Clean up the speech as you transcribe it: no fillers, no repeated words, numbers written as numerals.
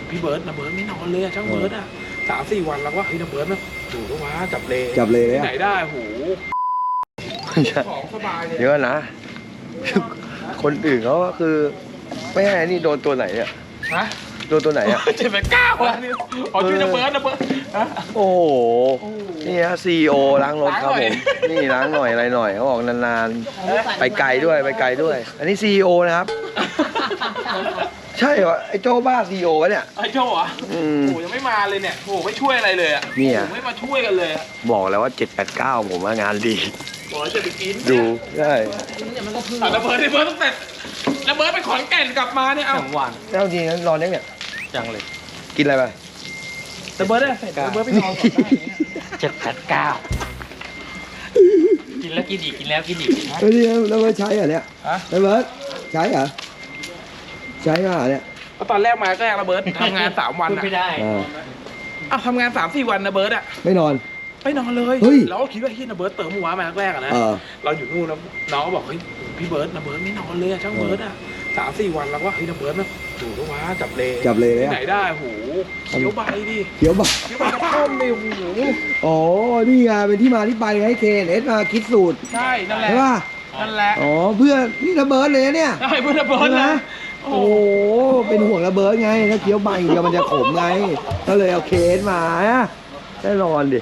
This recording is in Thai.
พี่เบิร์ดนะเบิร์ดไม่นอนเลยอะช่างเบิร์ดอะ3-4 วันแล้วว่าเฮ้ยนะเบิร์ดนะถูกแล้ววะจับเลที่ไหนได้โหของสบายเลยเดี๋ยวนะ คนอื่นเขาก็คือไม่ให้นี่โดนตัวไหนเนี่ยฮะโดนตัวไหนอ่ะ 7-9วันนี่ขอชื่อนะเบิร์ดฮะโอ้โหนี่ฮะCEO ล้างรถครับผมนี่ล้างหน่อยอะไรหน่อยเขาบอกนานๆไปไกลด้วยไปไกลด้วย อันนี้ CEO นะครับ ใช่เหรอไอ้โจ้บ้า CEO วะเนี่ยไอ้โจ้อะโอ้โหยังไม่มาเลยเนี่ยโอ้โหไม่ช่วยอะไรเลยอะเนี่ยไม่มาช่วยกันเลยอะบอกแล้วว่า789ผมว่างานดีบอกจะไปกินดูใช่ระเบิดตั้งแต่ระเบิดไปขอนแก่นกลับมาเนี่ยเอาหวานแล้วจริงๆนอนยังเนี่ยจังเลยกินอะไรไประเบิดได้เสร็จระเบิดไปนอนก่อนได้เนี่ยกินแล้วกินอีกกินแล้วกินอีกเฮ้ยแล้วใช้เหรอเนี่ยฮะแล้วเบิร์ดใช้เหรอใช้มาเนี่ยก็ตอนแรกมาก็ระเบิดทำงาน3 วันพูดอะไม่ได้อ้าวทำงาน3-4 วันนะเบิร์ดอะไม่นอนไม่นอนเลยเฮ้ยเราก็คิดว่าเฮ้ยนะเบิร์ดเติมหัวมาแรกๆอะนะเออเราอยู่นู่นแล้วน้องก็บอกเฮ้ยพี่เบิร์ดนะเบิร์ดไม่นอนเลยอะช่างเบิร์ดอะ3-4 วันแล้วว่าเฮ้ยนะเบิร์ดนะถูกแล้ววะจับเลเลยที่อะไหนได้โหเขียวใบดิเดี๋ยวบอกเขียวใบกระท่อมดิโอ้โหอ๋อ นี่ไงเป็นที่มาที่ไปให้เคนเอสมาคิดสูตรใช่นั่นแหละใช่ป่ะนั่นแหละอ๋อ เพื่อนี่ระเบิดเลยนะเนี่ยใช่เพื่อนระเบิดใช่ไหมนะโอ้โห เป็นห่วงระเบิดไง ถ้าเคี้ยวใบเดียวมันจะขมไง ก็เลยเอาเคนมาฮะแน่นอนดิ